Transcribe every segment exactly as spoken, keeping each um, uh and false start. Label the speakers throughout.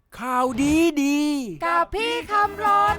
Speaker 1: ข่าวดีดี
Speaker 2: กับพี่คำรน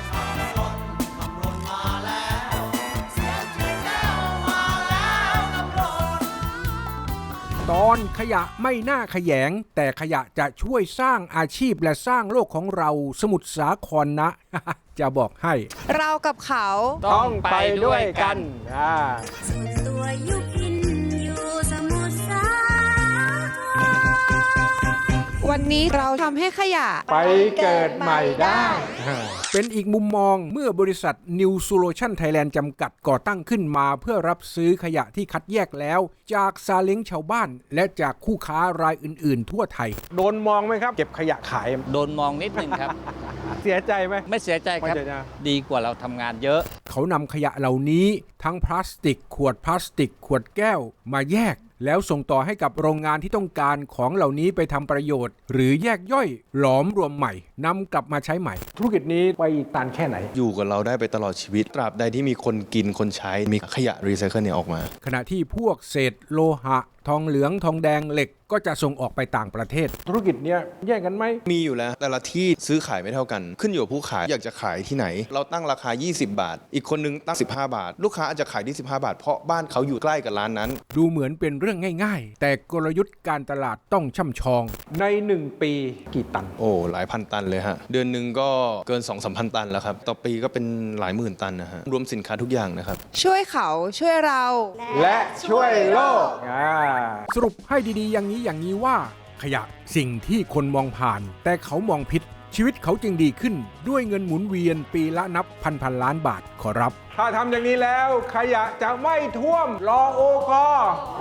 Speaker 1: ตอนขยะไม่น่าขยงแต่ขยะจะช่วยสร้างอาชีพและสร้างโลกของเราสมุทรสาครนะ จะบอกให้
Speaker 2: เรากับเขา
Speaker 1: ต้องไปด้วยกัน
Speaker 3: ตัวยุพินอยู่สมุทรสาคร
Speaker 2: วันนี้เราทำให้ขยะ
Speaker 1: ไปเกิดใหม่ได้เป็นอีกมุมมองเมื่อบริษัท New Solution Thailand จำกัดก่อตั้งขึ้นมาเพื่อรับซื้อขยะที่คัดแยกแล้วจากซาเล้งชาวบ้านและจากคู่ค้ารายอื่นๆทั่วไทยโดนมองไหมครับเก็บขยะขาย
Speaker 4: โดนมองนิดนึงครับ
Speaker 1: เสียใจไหม
Speaker 4: ไม่เสียใจครับดีกว่าเราทำงานเยอะ
Speaker 1: เขานำขยะเหล่านี้ทั้งพลาสติกขวดพลาสติกขวดแก้วมาแยกแล้วส่งต่อให้กับโรงงานที่ต้องการของเหล่านี้ไปทำประโยชน์หรือแยกย่อยหลอมรวมใหม่นำกลับมาใช้ใหม่ธุรกิจนี้ไปตันแค่ไหน
Speaker 5: อยู่กับเราได้ไปตลอดชีวิตตราบใดที่มีคนกินคนใช้มีขยะรีไซเคิลเนี่ยออกมา
Speaker 1: ขณะที่พวกเศษโลหะทองเหลืองทองแดงเหล็กก็จะส่งออกไปต่างประเทศธุรกิจเนี้ยแย่งกันไหม
Speaker 5: มีอยู่แล้วแต่ละที่ซื้อขายไม่เท่ากันขึ้นอยู่กับผู้ขายอยากจะขายที่ไหนเราตั้งราคายี่สิบบาทอีกคนนึงตั้งสิบห้าบาทลูกค้าอาจจะขายที่สิบห้าบาทเพราะบ้านเขาอยู่ใกล้กับร้านนั้น
Speaker 1: ดูเหมือนเป็นเรื่องง่ายๆแต่กลยุทธ์การตลาดต้องช่ำชองในหนึ่งปีกี่ตัน
Speaker 5: โอ้หลายพันตันเลยฮะเดือนนึงก็เกิน สองถึงสามพัน ตันแล้วครับต่อปีก็เป็นหลายหมื่นตันนะฮะรวมสินค้าทุกอย่างนะครับ
Speaker 2: ช่วยเขาช่วยเรา
Speaker 1: และช่วยโลกสรุปให้ดีๆอย่างนี้อย่างนี้ว่าขยะสิ่งที่คนมองผ่านแต่เขามองผิดชีวิตเขาจึงดีขึ้นด้วยเงินหมุนเวียนปีละนับพันพันล้านบาทขอรับถ้าทำอย่างนี้แล้วขยะจะไม่ท่วมรอโอกอ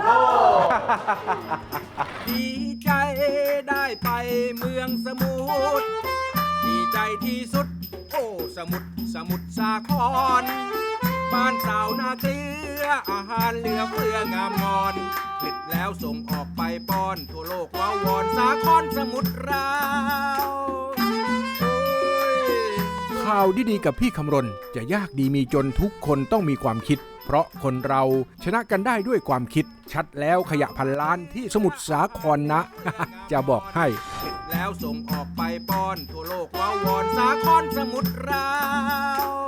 Speaker 1: ดีใจได้ไปเมืองสมุทรดีใจที่สุดโอ้สมุทรสมุทรสาครบ้านสาวนาเกลืออาหารเหลือเฟืองามงอนผลิตแล้วส่งออกไปป้อนทั่วโลกว้าวอนสาครสมุทรเราข่าวดีๆกับพี่คำรณจะยากดีมีจนทุกคนต้องมีความคิดเพราะคนเราชนะกันได้ด้วยความคิดชัดแล้วขยะพันล้านที่สมุทรสาครนะ จะบอกให้แล้วส่งออกไปป้อนทั่วโลกว้าวอนสาครสมุทรเรา